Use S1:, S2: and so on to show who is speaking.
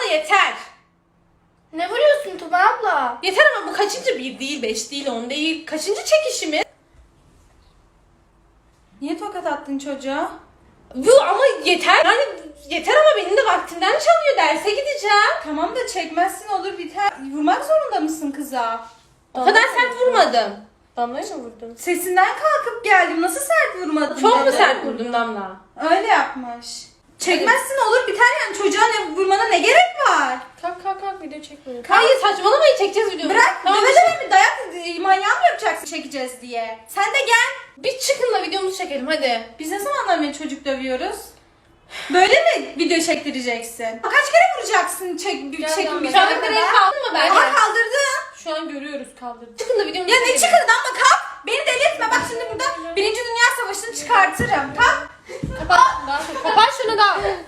S1: yeter.
S2: Ne vuruyorsun Tuba abla?
S1: Yeter ama bu kaçıncı? 1 değil, 5 değil, 10 değil. Kaçıncı çekişimiz?
S3: Niye tokat attın çocuğa?
S1: Bu ama yeter. Yani yeter ama benim de vaktimden çalıyor. Derse gideceğim.
S3: Tamam da çekmezsin olur biter. Vurmak zorunda mısın kıza?
S1: O kadar sert vurmadım. Damla'ya mı vurdun?
S3: Sesinden kalkıp geldim. Nasıl sert vurmadın?
S1: Çok mu
S3: dedi.
S1: sert vurdum Damla?
S3: Öyle yapmış. Çekmezsin olur biter yani. Çocuğa ne vurmana ne gerek var?
S2: Kalk video çekmiyorum.
S1: Hayır saçmalamayın, çekeceğiz videoyu.
S3: Bırak
S1: Tamam,
S3: döve döve mi dayak manyağı mı yapacaksın çekeceğiz diye? Sen de gel.
S1: bir çıkın da videomuzu çekelim hadi.
S3: Biz ne zamanlar beni çocuk dövüyoruz? Böyle mi video çektireceksin? Kaç kere vuracaksın çekim
S2: Gel,
S3: bir
S2: gel,
S1: Şu an
S3: kere
S1: direkt
S3: kadar?
S1: kaldın mı belki?
S3: Aha kaldırdın.
S1: Şu an görüyoruz kaldırdı. Çıkın da videomuzu
S3: Ya ne
S1: çekelim.
S3: çıkırdın ama kalk. Beni deli etme bak şimdi burada 1. Dünya Savaşı'nı çıkartırım. Kalk.
S1: Kapat şunu da.